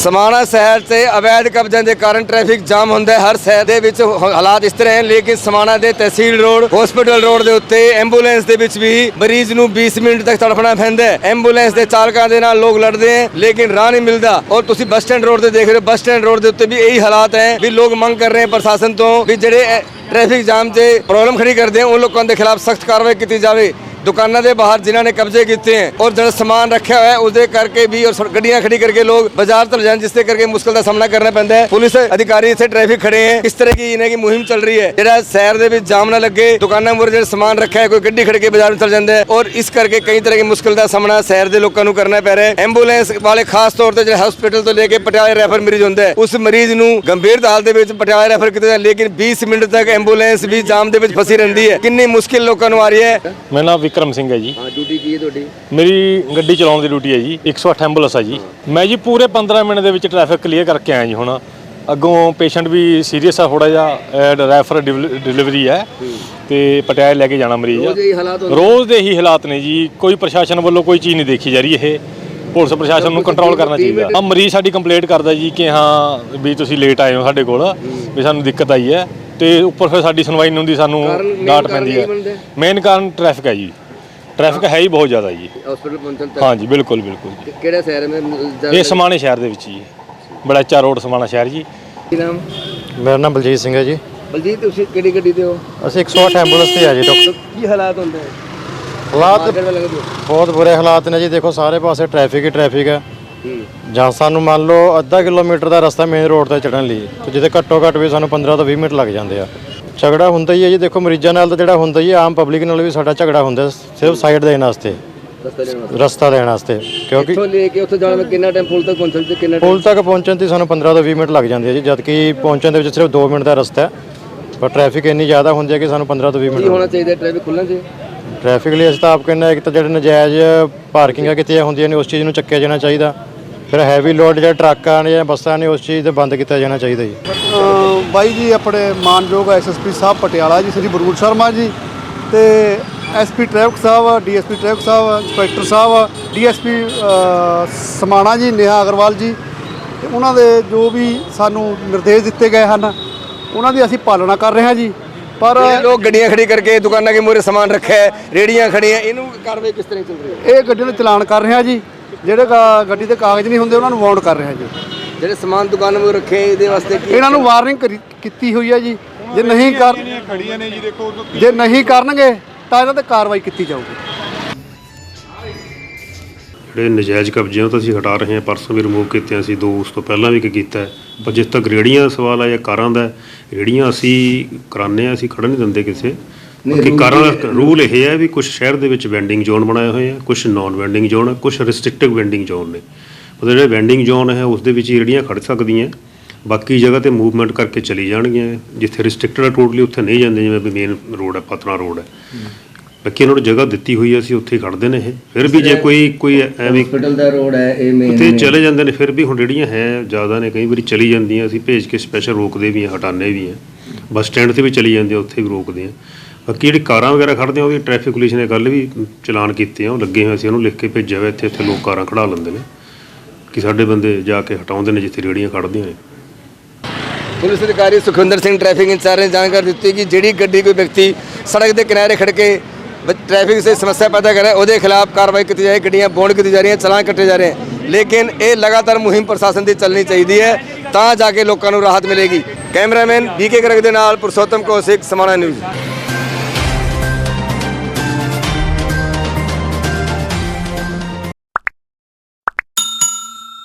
समाणा शहर से अवैध कब्जे के कारण ट्रैफिक जाम होंदा है। हर शहर दे विच हालात इस तरह हैं, लेकिन समाणा दे तहसील रोड हॉस्पिटल रोड के उत्ते एंबूलेंस दे विच भी मरीज नूं 20 मिनट तक तड़फना पैंदा है। एंबूलेंस के चालकां दे नाल लोग लड़ते हैं, लेकिन राह नहीं मिलता। और तुसीं बस स्टैंड रोड से देख रहे हो, बस स्टैंड रोड के उत्ते भी यही हालात हैं भी लोग मंग कर रहे हैं प्रशासन तो भी जिहड़े ट्रैफिक जाम से प्रॉब्लम खड़ी करते हैं उन लोगों के खिलाफ सख्त कार्रवाई की जाए। दुकानों के बाहर जिन्होंने कब्जे किए हैं और जो सामान रखा हुआ है उसके करके भी और गड्डियां खड़ी करके लोग बाजार चल जाए, जिससे करके मुश्किल का सामना करना पैंदा है। पुलिस अधिकारी इतने ट्रैफिक खड़े हैं, इस तरह की इन्हें की मुहिम चल रही है जो शहर के जाम ना लगे। दुकानों पर जो सामान रखा है कोई गड्डी खड़ के बाजार में चल जाता है और इस करके कई तरह की मुश्किल का सामना शहर के लोगों को करना पै रहा है। एंबूलेंस वाले खास तौर पर जो हॉस्पिटल तो लेके पटियाला रैफर मरीज होंगे उस मरीज को गंभीर हालत में पटियाला रैफर किया, लेकिन 20 मिनट तक एंबूलेंस भी जाम के फसी रही है। कितनी मुश्किल लोगों को आ रही है। मेरा नाम विक्रम सिंह है जी। ड्यूटी की है ਤੁਹਾਡੀ? मेरी गड्डी चलाने की ड्यूटी है जी। 108 एंबूलेंस है जी। मैं जी पूरे 15 मिनट ਦੇ ਵਿੱਚ ट्रैफिक क्लीयर करके आया जी। ਹੁਣ ਅੱਗੋਂ पेशेंट भी सीरीयस है थोड़ा ਜਿਹਾ ਰੈਫਰ डिलीवरी है ਤੇ ਪਟਿਆਲੇ ਲੈ ਕੇ ਜਾਣਾ ਮਰੀਜ਼। ਰੋਜ਼ ਦੇ ਹੀ ਹਾਲਾਤ ਨੇ ਜੀ। ਕੋਈ ਪ੍ਰਸ਼ਾਸਨ ਵੱਲੋਂ ਕੋਈ ਚੀਜ਼ ਨਹੀਂ ਦੇਖੀ ਜਾ ਰਹੀ। ਇਹ ਪੁਲਿਸ ਪ੍ਰਸ਼ਾਸਨ ਨੂੰ ਕੰਟਰੋਲ ਕਰਨਾ ਚਾਹੀਦਾ। ਆ ਮਰੀਜ਼ ਸਾਡੀ ਕੰਪਲੇਂਟ ਕਰਦਾ ਜੀ ਕਿ ਹਾਂ ਵੀ ਤੁਸੀਂ ਲੇਟ ਆਏ ਹੋ ਸਾਡੇ ਕੋਲ, ਵੀ ਸਾਨੂੰ ਦਿੱਕਤ ਆਈ ਹੈ ਤੇ ਉੱਪਰ ਫਿਰ ਸਾਡੀ ਸੁਣਵਾਈ ਨਹੀਂ ਹੁੰਦੀ, ਸਾਨੂੰ ਡਾਂਟ ਪੈਂਦੀ ਹੈ। ਮੇਨ ਕਾਰਨ ਟ੍ਰੈਫਿਕ ਹੈ ਜੀ। ट्रैफिक है ही बहुत ज़्यादा जी हॉस्पिटल पहुंचने तक। हाँ जी बिल्कुल बिल्कुल। किहड़े शहर में? ये समाणे शहर दे विच जी, बड़ैचा रोड समाणा शहर जी। ਕੀ ਨਾਮ? मेरा नाम बलजीत सिंह है जी। ਬਲਜੀਤ ਤੁਸੀਂ ਕਿਹੜੀ ਗੱਡੀ ਤੇ ਹੋ? ਅਸੀਂ 108 ਐਂਬੂਲੈਂਸ ਤੇ ਆ ਜੀ ਡਾਕਟਰ। ਕੀ ਹਾਲਾਤ ਹੁੰਦੇ ਹੈ? ਹਾਲਾਤ ਬਹੁਤ ਬੁਰੇ ਹਾਲਾਤ ਨੇ ਜੀ। ਦੇਖੋ ਸਾਰੇ ਪਾਸੇ ਟ੍ਰੈਫਿਕ ਹੀ ਟ੍ਰੈਫਿਕ ਹੈ। ਜਾਂ ਸਾਨੂੰ ਮੰਨ ਲਓ ਅੱਧਾ ਕਿਲੋਮੀਟਰ ਦਾ ਰਸਤਾ ਮੇਨ ਰੋਡ ਤੇ ਚੜਨ ਲਈ, ਤੇ ਜਿੱਥੇ ਘੱਟੋ ਘੱਟ ਵੀ ਸਾਨੂੰ 15 ਤੋਂ 20 ਮਿੰਟ ਲੱਗ ਜਾਂਦੇ ਆ। ਝਗੜਾ ਹੁੰਦਾ ਹੀ ਹੈ ਜੀ। ਦੇਖੋ ਮਰੀਜ਼ਾਂ ਨਾਲ ਤਾਂ ਜਿਹੜਾ ਹੁੰਦਾ ਹੀ ਆਮ ਪਬਲਿਕ ਨਾਲ ਵੀ ਸਾਡਾ ਝਗੜਾ ਹੁੰਦਾ, ਸਿਰਫ ਸਾਈਡ ਦੇਣ ਵਾਸਤੇ, ਰਸਤਾ ਦੇਣ ਵਾਸਤੇ। ਕਿਉਂਕਿ ਇੱਥੋਂ ਲੈ ਕੇ ਉੱਥੇ ਜਾਣ ਵਿੱਚ ਕਿੰਨਾ ਟਾਈਮ ਪੁਲ ਤੱਕ ਪਹੁੰਚਣ ਤੇ ਕਿੰਨਾ ਪੁਲ ਤੱਕ ਪਹੁੰਚਣ ਤੇ ਸਾਨੂੰ 15 ਤੋਂ 20 ਮਿੰਟ ਲੱਗ ਜਾਂਦੇ ਆ ਜੀ, ਜਦ ਕਿ ਪਹੁੰਚਣ ਦੇ ਵਿੱਚ ਸਿਰਫ 2 ਮਿੰਟ ਦਾ ਰਸਤਾ ਹੈ। ਪਰ ਟ੍ਰੈਫਿਕ ਇੰਨੀ ਜ਼ਿਆਦਾ ਹੁੰਦੀ ਹੈ ਕਿ ਸਾਨੂੰ 15 ਤੋਂ 20 ਮਿੰਟ ਹੋਣਾ ਚਾਹੀਦਾ ਟ੍ਰੈਫਿਕ ਖੁੱਲ੍ਹਣਾ ਚਾਹੀਦਾ। ਟ੍ਰੈਫਿਕ ਲਈ ਅਸੀਂ ਤਾਂ ਆਪ ਕਹਿੰਦੇ ਇੱਕ ਤਾਂ ਜਿਹੜੇ ਨਜਾਇਜ਼ ਪਾਰਕਿੰਗਾਂ ਕਿਤੇ ਹੁੰਦੀਆਂ ਨੇ ਉਸ ਚੀਜ਼ ਨੂੰ ਚੱਕਿਆ ਜਾਣਾ ਚਾਹੀਦਾ। ਫਿਰ ਹੈਵੀ ਲੋਡ ਜਿਹੜੇ ਟਰੱਕਾਂ ਨੇ ਜਾਂ ਬੱਸਾਂ ਨੇ ਉਸ ਚੀਜ਼ ਤੇ ਬੰਦ ਕੀਤਾ ਜਾਣਾ ਚਾਹੀਦਾ ਜੀ। ਬਾਈ ਜੀ ਆਪਣੇ ਮਾਨਯੋਗ ਐਸਐਸਪੀ ਸਾਹਿਬ ਪਟਿਆਲਾ ਜੀ ਸ਼੍ਰੀ ਬਰੂਲ ਸ਼ਰਮਾ ਜੀ ਤੇ ਐਸਪੀ ਟ੍ਰੈਫਿਕ ਸਾਹਿਬ, ਡੀਐਸਪੀ ਟ੍ਰੈਫਿਕ ਸਾਹਿਬ, ਇੰਸਪੈਕਟਰ ਸਾਹਿਬ, ਡੀਐਸਪੀ ਸਮਾਣਾ ਜੀ, ਨੇਹਾ ਅਗਰਵਾਲ ਜੀ, ਤੇ ਉਹਨਾਂ ਦੇ ਜੋ ਵੀ ਸਾਨੂੰ ਨਿਰਦੇਸ਼ ਦਿੱਤੇ ਗਏ ਹਨ ਉਹਨਾਂ ਦੀ ਅਸੀਂ ਪਾਲਣਾ ਕਰ ਰਹੇ ਹਾਂ ਜੀ। ਪਰ ਲੋਕ ਗੱਡੀਆਂ ਖੜੀ ਕਰਕੇ ਦੁਕਾਨਾਂ ਦੇ ਮੂਹਰੇ ਸਾਮਾਨ ਰੱਖਿਆ ਹੈ, ਰੇੜੀਆਂ ਖੜੀਆਂ, ਇਹਨੂੰ ਕਾਰਵਾਈ ਕਿਸ ਤਰ੍ਹਾਂ ਚੱਲ ਰਹੀ ਹੈ? ਇਹ ਗੱਡੀਆਂ ਨੂੰ ਚਲਾਨ ਕਰ ਰਹੇ ਹਾਂ ਜੀ। ਜਿਹੜੇ ਗੱਡੀ ਦੇ ਕਾਗਜ਼ ਨਹੀਂ ਹੁੰਦੇ ਉਹਨਾਂ ਨੂੰ ਵਾਰਨ ਕਰ ਰਹੇ ਹਾਂ ਜੀ। ਜਿਹੜੇ ਸਮਾਨ ਦੁਕਾਨ ਮੂਹਰੇ ਰੱਖੇ ਇਹਦੇ ਵਾਸਤੇ ਇਹਨਾਂ ਨੂੰ ਵਾਰਨਿੰਗ ਕੀਤੀ ਹੋਈ ਹੈ ਜੀ। ਜੇ ਨਹੀਂ ਖੜੀਆਂ ਨੇ ਜੀ, ਦੇਖੋ ਜੇ ਨਹੀਂ ਕਰਨਗੇ ਤਾਂ ਇਹਨਾਂ ਤੇ ਕਾਰਵਾਈ ਕੀਤੀ ਜਾਊਗੀ। ਜਿਹੜੇ ਨਜਾਇਜ਼ ਕਬਜ਼ੇ ਉਹ ਤਾਂ ਅਸੀਂ ਹਟਾ ਰਹੇ ਹਾਂ, ਪਰਸੋਂ ਵੀ ਰਿਮੂਵ ਕੀਤੇ ਅਸੀਂ, ਦੋ ਉਸ ਤੋਂ ਪਹਿਲਾਂ ਵੀ ਕੀਤਾ ਹੈ। ਪਰ ਜਿਸ ਤੱਕ ਰੇਹੜੀਆਂ ਦਾ ਸਵਾਲ ਆ ਜਾਂ ਕਾਰਾਂ ਦਾ, ਰੇਹੜੀਆਂ ਅਸੀਂ ਕਰਾਉਂਦੇ ਹਾਂ, ਅਸੀਂ ਖੜ੍ਹਨ ਨਹੀਂ ਦਿੰਦੇ ਕਿਸੇ। ਕਿ ਕਾਰਾਂ ਦਾ ਰੂਲ ਇਹ ਹੈ ਵੀ ਕੁਛ ਸ਼ਹਿਰ ਦੇ ਵਿੱਚ ਵੈਂਡਿੰਗ ਜ਼ੋਨ ਬਣਾਏ ਹੋਏ ਆ, ਕੁਛ ਨੋਨ ਵੈਂਡਿੰਗ ਜ਼ੋਨ ਹੈ, ਕੁਛ ਰਿਸਟ੍ਰਿਕਟਿਵ ਵੈਂਡਿੰਗ ਜ਼ੋਨ ਨੇ। ਮਤਲਬ ਜਿਹੜੇ ਵੈਂਡਿੰਗ ਜ਼ੋਨ ਹੈ ਉਸ ਦੇ ਵਿੱਚ ਹੀ ਰੇਹੜੀਆਂ ਖੜ੍ਹ ਸਕਦੀਆਂ, ਬਾਕੀ ਜਗ੍ਹਾ 'ਤੇ ਮੂਵਮੈਂਟ ਕਰਕੇ ਚਲੀ ਜਾਣਗੀਆਂ। ਜਿੱਥੇ ਰਿਸਟ੍ਰਿਕਟਡ ਹੈ ਟੋਟਲੀ ਉੱਥੇ ਨਹੀਂ ਜਾਂਦੇ, ਜਿਵੇਂ ਵੀ ਮੇਨ ਰੋਡ ਹੈ, ਪਤਨਾ ਰੋਡ ਹੈ, ਬਾਕੀ ਇਹਨਾਂ ਨੂੰ ਜਗ੍ਹਾ ਦਿੱਤੀ ਹੋਈ ਹੈ, ਅਸੀਂ ਉੱਥੇ ਖੜ੍ਹਦੇ ਨੇ ਇਹ। ਫਿਰ ਵੀ ਜੇ ਕੋਈ ਐਵੇਂ ਹਸਪੀਟਲ ਦਾ ਰੋਡ ਹੈ ਇਹ ਮੇਨ ਉੱਥੇ ਚਲੇ ਜਾਂਦੇ ਨੇ, ਫਿਰ ਵੀ ਹੁਣ ਰੇਹੜੀਆਂ ਹੈ ਜ਼ਿਆਦਾ ਨੇ, ਕਈ ਵਾਰੀ ਚਲੀ ਜਾਂਦੀਆਂ, ਅਸੀਂ ਭੇਜ ਕੇ ਸਪੈਸ਼ਲ ਰੋਕਦੇ ਵੀ ਹਾਂ, ਹਟਾਉਂਦੇ ਵੀ ਹਾਂ। ਬੱਸ ਸਟੈਂਡ 'ਤੇ ਵੀ ਚਲੀ ਜਾਂਦੇ ਆ, ਉੱਥੇ ਵੀ ਰੋਕਦੇ ਹਾਂ। ਬਾਕੀ ਜਿਹੜੀ ਕਾਰਾਂ ਵਗੈਰਾ ਖੜ੍ਹਦੇ ਆ ਉਹਦੀ ਟ੍ਰੈਫਿਕ ਪੁਲਿਸ ਨੇ ਕੱਲ੍ਹ ਵੀ ਚਲਾਨ ਕੀਤੇ ਆ, ਉਹ ਲੱਗੇ ਹੋਏ ਅਸੀਂ ਉਹਨੂੰ ਲਿਖ ਕੇ ਭੇਜਿਆ ਹੋਇਆ। ਇੱਥੇ ਲੋਕ ਕਾਰਾਂ ਖੜ੍ਹਾ ਲੈਂਦੇ ਨੇ ਕਿ ਸਾਡੇ ਬੰਦੇ ਜਾ ਕੇ ਹਟਾਉਂਦੇ ਨੇ ਜਿੱਥੇ ਰੇਹੜੀਆਂ ਖੜ੍ਹਦੀਆਂ ਨੇ। पुलिस अधिकारी सुखविंदर सिंह ट्रैफिक इंचार्ज ने जानकारी दी कि जी गड्डी कोई व्यक्ति सड़क के किनारे खड़ के ट्रैफिक से समस्या पैदा करे उसके खिलाफ कार्रवाई की जाए, गड्डियाँ बॉन्ड की जा रही हैं, चलान कटे जा रहे हैं। लेकिन ये लगातार मुहिम प्रशासन की चलनी चाहिए है, तो जाके लोगों को राहत मिलेगी। कैमरामैन BK गर्ग के नाल पुरुषोत्तम कौशिक, समाणा न्यूज़।